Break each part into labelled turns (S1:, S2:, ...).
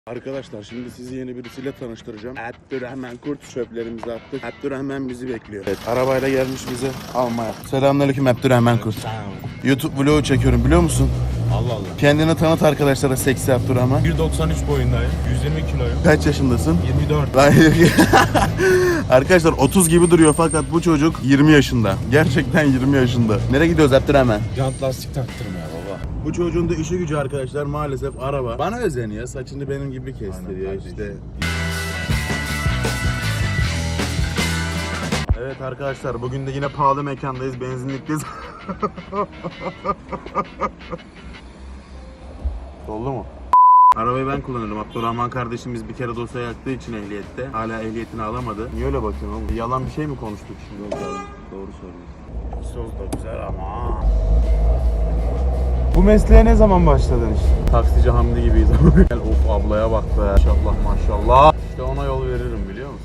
S1: Arkadaşlar şimdi sizi yeni birisiyle tanıştıracağım. Abdurrahman Kurt çöplerimizi attık. Abdurrahman bizi bekliyor. Evet, arabayla gelmiş bizi almaya. Selamünaleyküm Abdurrahman Kurt. YouTube vlogu çekiyorum biliyor musun?
S2: Allah Allah.
S1: Kendini tanıt arkadaşlara, seksi Abdurrahman.
S2: 1.93 boyundayım. 120 kiloyum.
S1: Kaç yaşındasın?
S2: 24.
S1: Arkadaşlar 30 gibi duruyor fakat bu çocuk 20 yaşında. Gerçekten 20 yaşında. Nereye gidiyoruz Abdurrahman?
S2: Jant lastik taktırmaya baba.
S1: Bu çocuğun da işi gücü arkadaşlar maalesef araba. Bana özeniyor, saçını benim gibi kestiriyor işte. Evet arkadaşlar bugün de yine pahalı mekandayız, benzinlikteyiz. Doldu mu? Arabayı ben kullanıyorum. Abdurrahman kardeşimiz bir kere dosya yaktığı için ehliyette. Hala ehliyetini alamadı. Niye öyle bakıyorsun oğlum? Yalan bir şey mi konuştuk şimdi? Yok abi, doğru söylüyorsun. Söz da güzel ama...
S2: Bu mesleğe ne zaman başladın işte?
S1: Taksici Hamdi gibiyiz. Gel of ablaya bak be. Maşallah maşallah. İşte ona yol veririm biliyor musun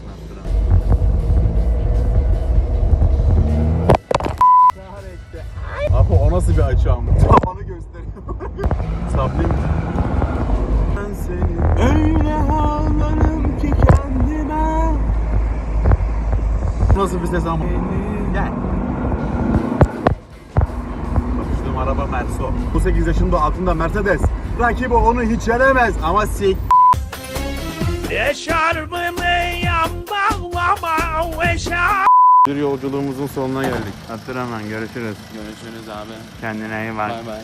S1: Abdurrahman? Abi o nasıl bir açı ama? Tavanı gösteriyor. Saplayayım mı? Ben seni öyle ağlarım ki kendime. Nasıl bir ses ama? Gel. Bakıştığım araba Merso. 18 yaşında altında Mercedes. Rakibi onu hiç yenemez ama sik. Bir yolculuğumuzun sonuna geldik. Abdurrahman görüşürüz.
S2: Görüşürüz abi.
S1: Kendine iyi bak.
S2: Bay bay.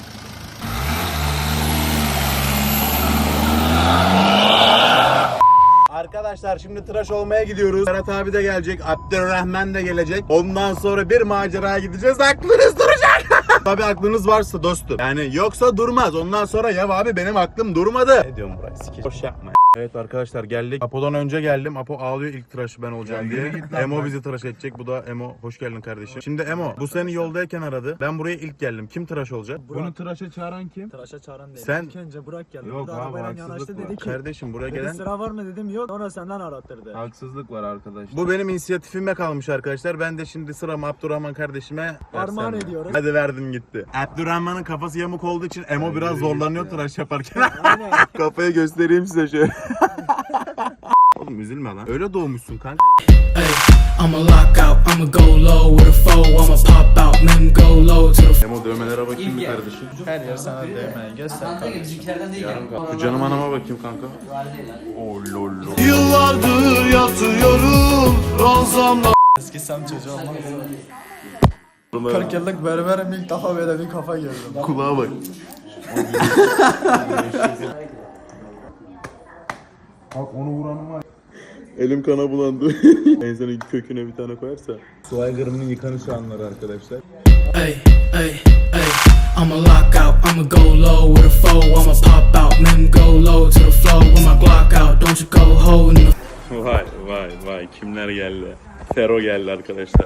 S1: Arkadaşlar şimdi tıraş olmaya gidiyoruz. Ferhat abi de gelecek, Abdurrahman da gelecek. Ondan sonra bir maceraya gideceğiz. Aklınız duracak. Tabii aklınız varsa dostum. Yani yoksa durmaz. Ondan sonra ya abi benim aklım durmadı. Ne diyorum buraya? Sikir. Boş yapma. Evet arkadaşlar geldik. Apo'dan önce geldim. Apo ağlıyor ilk tıraşı ben olacağım diye. Emo bizi tıraş edecek. Bu da Emo. Hoş geldin kardeşim. Şimdi Emo bu seni yoldayken aradı. Ben buraya ilk geldim. Kim tıraş olacak?
S2: Bunu tıraşa çağıran kim?
S3: Tıraşa çağıran değil.
S1: Sen-
S3: İlk önce Burak geldi.
S2: Yok
S3: Burada
S2: abi,
S3: arabayla
S2: haksızlık
S3: yanaştı
S2: var.
S3: dedi ki.
S1: Kardeşim buraya
S3: Dedi
S1: gelen...
S3: sıra var mı dedim yok. Sonra senden arattırdı.
S2: Haksızlık var arkadaşlar.
S1: Bu benim inisiyatifime kalmış arkadaşlar. Ben de şimdi sıramı Abdurrahman kardeşime
S3: Armağan
S1: versem.
S3: ediyoruz.
S1: Hadi verdim gitti. Abdurrahman'ın kafası yamuk olduğu için Emo biraz zorlanıyor tıraş yaparken.
S3: Aynen.
S1: Kafayı göstereyim size şöyle. Oğlum üzülme lan. Öyle doğmuşsun kanka.
S4: Ay, I'ma lock out, I'ma go low with a foe, I'ma pop out, then go low to the
S1: Emo dövmelere bakayım mı kardeşim?
S2: Her yer sana değmeyi göster.
S1: Şu canım anama bakayım kanka. Oh lol lol.
S5: Yıllardır yatıyorum ranzamla.
S3: Eski sen çocuğu olmaz. 40 yıllık berberim ilk defa böyle bir kafa gördüm.
S1: Kulağa bak.
S2: Bak onu vuranım var.
S1: Elim kana bulandı. İnsanın köküne bir tane koyarsa. Su aygırının yıkanış anları arkadaşlar.
S4: ay, ay, ay. I'ma lock out, I'ma go low with a foe, I'ma pop out, then go low to the floor with my Glock out. Don't you go holding the
S1: Vay vay vay kimler geldi? Fero geldi arkadaşlar.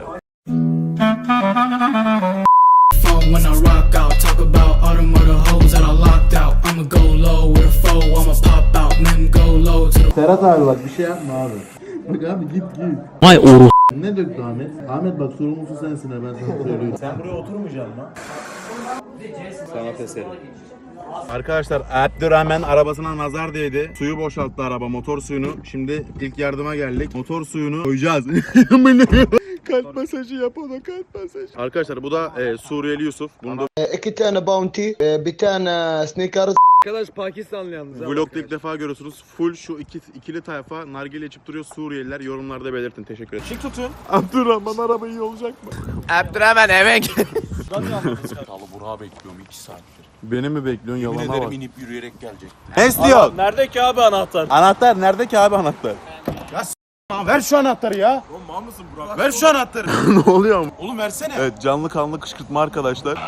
S4: phone when I rock out. Talk about all them other hoes that I locked out. I'ma go low with a foe, I'ma pop out, then go low to the
S1: Ferhat abi bak bir şey yapma abi. Bak abi git.
S4: Vay oru.
S1: Ne döktü Ahmet? Ahmet bak sorumlusu sensin ha ben sana söylüyorum. Sen buraya oturmayacaksın lan. Sanat eseri. Arkadaşlar Abdurrahman arabasına nazar değdi. Suyu boşalttı araba, motor suyunu. Şimdi ilk yardıma geldik. Motor suyunu koyacağız. Kalp masajı yap ona, kalp masajı. Arkadaşlar bu da Suriyeli Yusuf. Bunu da
S5: İki tane bounty, bir tane sneakers.
S3: Arkadaş Pakistanlı yalnız.
S1: vlogda ilk defa görüyorsunuz. Full şu ikili tayfa nargile içip duruyor Suriyeliler. Yorumlarda belirtin. Teşekkür ederim. Şık tutun. Abdurrahman araba iyi olacak mı?
S2: Abdurrahman eve gel. Salı Burak'ı bekliyorum 2 saattir.
S1: Beni mi bekliyorsun?
S2: Yemin
S1: Yalana
S2: ederim
S1: bak.
S2: inip yürüyerek gelecek.
S1: Ne istiyorsun?
S3: Nerede ki abi anahtar?
S1: Anahtar nerede ki abi anahtar?
S2: Ver şu anahtarı ya.
S3: Oğlum mal mısın Burak?
S2: Ver şu anahtarı.
S1: Ne oluyor?
S2: Oğlum versene.
S1: Evet canlı kanlı kışkırtma arkadaşlar.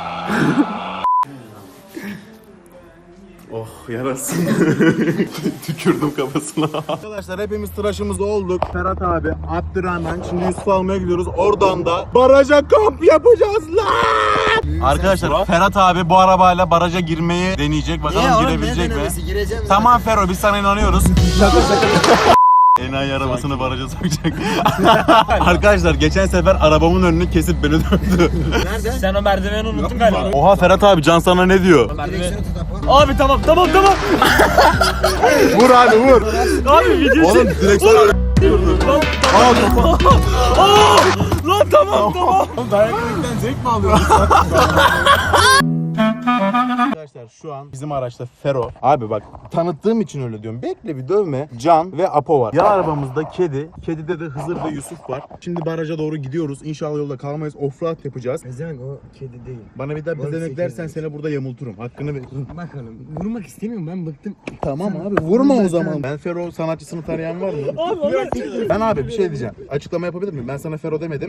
S1: Oh yarasın. Tükürdüm kafasına. Arkadaşlar hepimiz tıraşımız olduk. Ferhat abi, Abdurrahman. Şimdi Yusuf almaya gidiyoruz. Oradan da baraja kamp yapacağız lan. Arkadaşlar Ferhat abi bu arabayla baraja girmeyi deneyecek. Bakalım girebilecek mi? Tamam Ferro biz sana inanıyoruz. Şaka. Enayi arabasını baraja sokacak. Arkadaşlar geçen sefer arabamın önünü kesip beni dövdü.
S3: Sen o merdiveni unuttun galiba.
S1: Oha Ferhat abi Can sana ne diyor?
S2: Abi tamam.
S1: Vur abi vur.
S2: Abi video
S1: Oğlum direksiyon
S2: Lan tamam.
S1: dayak yemekten zevk mi alıyorsun? Arkadaşlar şu an bizim araçta Fero. Abi bak tanıttığım için öyle diyorum. Bekle bir dövme. Can ve Apo var. Yan arabamızda kedi. Kedide de Hızır ve Yusuf var. Şimdi baraja doğru gidiyoruz. İnşallah yolda kalmayız. Offroad yapacağız.
S3: Ezen o kedi değil.
S1: Bana bir daha bezemek dersen seni burada yamulturum. Hakkını ver.
S3: Bak hanım vurmak istemiyorum ben bıktım.
S1: Tamam abi vurma o zaman. Ben Fero sanatçısını tanıyan var mı? Ben abi bir şey diyeceğim. Açıklama yapabilir miyim? Ben sana Fero demedim.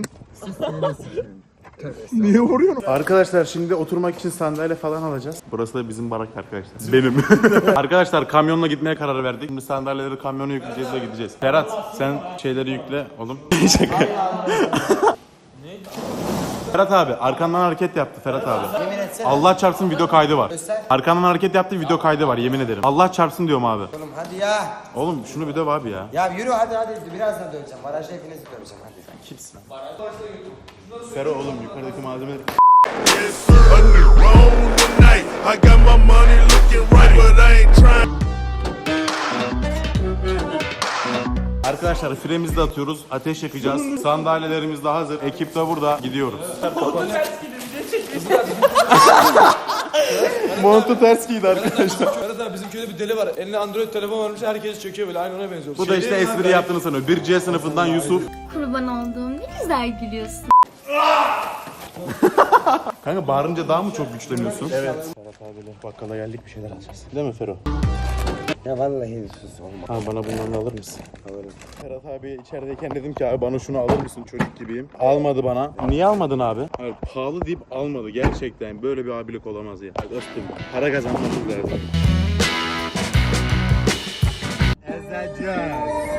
S1: Niye vuruyorsun? Arkadaşlar şimdi oturmak için sandalye falan alacağız. Burası da bizim barak arkadaşlar. Benim. Arkadaşlar kamyonla gitmeye karar verdik. Şimdi sandalyeleri kamyona yükleyeceğiz ve gideceğiz. Ferhat sen şeyleri yükle oğlum. Şaka. Ferhat abi arkandan hareket yaptı Ferhat abi.
S3: Yemin etsene.
S1: Allah çarpsın video kaydı var.
S3: Göster.
S1: Arkandan hareket yaptı video kaydı var yemin ederim. Allah çarpsın diyorum abi.
S3: Oğlum hadi ya.
S1: Oğlum şunu bir döv abi ya.
S3: Ya yürü hadi birazdan döveceğim. Barajda hepinizi döveceğim hadi.
S1: Kimsin? Fero oğlum yukarıdaki malzemeleri...
S6: I got my money looking right, but I ain't trying.
S1: Arkadaşlar fremizi de atıyoruz. Ateş yakacağız. Sandalyelerimiz de hazır. Ekip de burada. Gidiyoruz. Montu ters giydi arkadaşlar.
S7: Ferhat abi bizim köyde bir deli var. Eline Android telefon varmış, herkes çöküyor böyle, aynı ona benziyor.
S1: Bu da işte espri yaptığını sanıyor. 1C sınıfından Yusuf.
S8: Kurban olduğum ne güzel gülüyorsun.
S1: Kanka bağırınca daha mı çok güçleniyorsun? Evet. Ferhat abiyle bakkala geldik bir şeyler alacağız. Değil mi Fero?
S3: Ya vallahi sus olma.
S1: Abi bana bundan da alır mısın? Alırım. Ferhat abi içerideyken dedim ki abi bana şunu alır mısın çocuk gibiyim. Almadı bana. Niye almadın abi? Hayır pahalı deyip almadı gerçekten. Böyle bir abilik olamaz ya. Dostum para kazanmamız lazım. Ezeceğiz.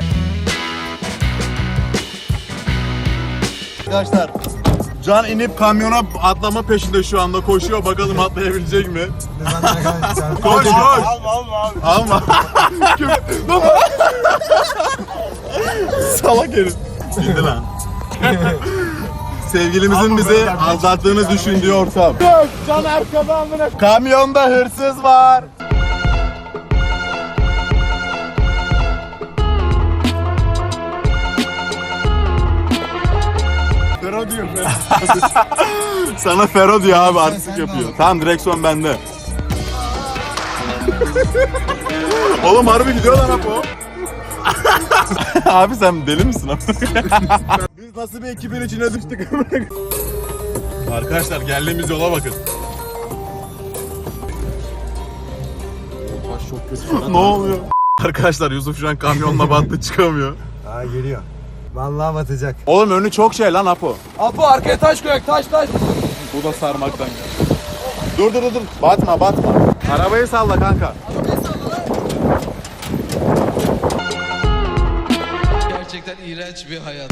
S1: Arkadaşlar Can inip kamyona atlama peşinde şu anda koşuyor. Bakalım atlayabilecek mi? Koş koş. Alma. Salak herif. Bindi lan. Sevgilimizin bizi aldattığını düşündüğü ortam. Can arkada amına. Kamyonda hırsız var. Fero diyor. Sana Fero diyor abi artistik yapıyor. Tamam direksiyon bende. Oğlum harbi gidiyor lan Apo. Abi sen deli misin abi? Biz nasıl bir ekibin içine düştük? Arkadaşlar geldiğimiz yola bakın. Taş çok kötü. Ne oluyor? Arkadaşlar Yusuf şu an kamyonla battı çıkamıyor.
S3: Aa geliyor. Vallahi batacak.
S1: Oğlum önü çok şey lan Apo.
S7: Apo arkaya taş koyak, taş.
S1: Bu da sarmaktan. Dur. Batma. Arabayı salla kanka.
S9: Gerçekten iğrenç bir hayat.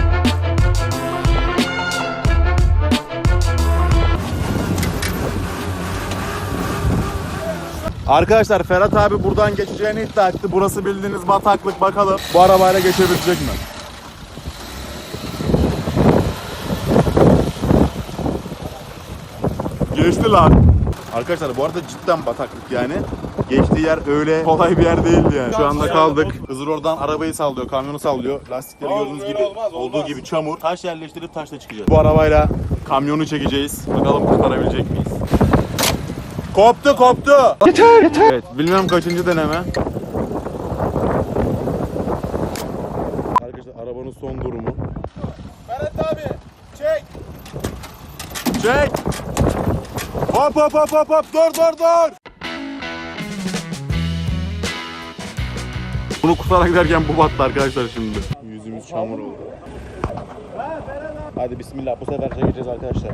S1: Arkadaşlar Ferhat abi buradan geçeceğini iddia etti. Burası bildiğiniz bataklık bakalım. Bu arabayla geçebilecek mi? Geçti lan. Arkadaşlar bu arada cidden bataklık yani. Geçtiği yer öyle kolay bir yer değildi yani. Şu anda kaldık. Hızır oradan arabayı sallıyor, kamyonu sallıyor. Lastikleri gördüğünüz gibi olduğu gibi çamur. Taş yerleştirip taşla çıkacağız. Bu arabayla kamyonu çekeceğiz. Bakalım kurtarabilecek miyiz? Koptu. Yeter. Evet, bilmem kaçıncı deneme. Arkadaşlar arabanın son durumu. Ferhat abi, çek. Hop. Dur. Bunu kurtarak giderken bu battı arkadaşlar şimdi. Yüzümüz çamur oldu. Hadi bismillah bu sefer çekeceğiz arkadaşlar.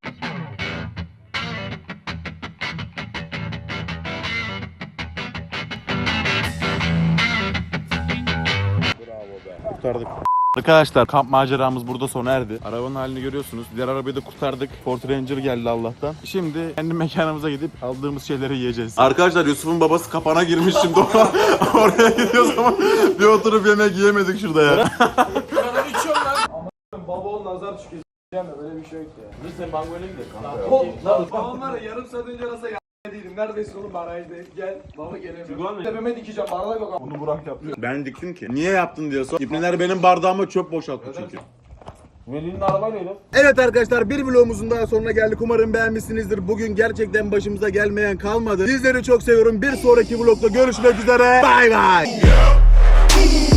S1: Kurtardık. Arkadaşlar kamp maceramız burada sona erdi. Arabanın halini görüyorsunuz. Diğer arabayı da kurtardık. Ford Ranger geldi Allah'tan. Şimdi kendi mekanımıza gidip aldığımız şeyleri yiyeceğiz. Arkadaşlar Yusuf'un babası kapana girmiş şimdi. Oraya gidiyoruz ama bir oturup yemek yiyemedik şurada ya.
S7: Baba ol nazar çıkıyor. Böyle bir şey yok ya.
S2: Dur sen bangoyla gidelim kanka.
S7: Babam var ya yarım saat önce nasıl değilim
S3: Neredesin oğlum barajdayım gel. Baba gelemiyorum. Tepeme dikeceğim bardak yok.
S1: Bunu Burak yaptı. Ben diktim ki. Niye yaptın diye sor. İpneler benim bardağıma çöp boşalttı çünkü.
S7: Veli'nin araba neydi?
S1: Evet arkadaşlar, bir vlogumuzun daha sonuna geldik. Umarım beğenmişsinizdir. Bugün gerçekten başımıza gelmeyen kalmadı. Sizleri çok seviyorum. Bir sonraki vlogda görüşmek üzere. Bay bay.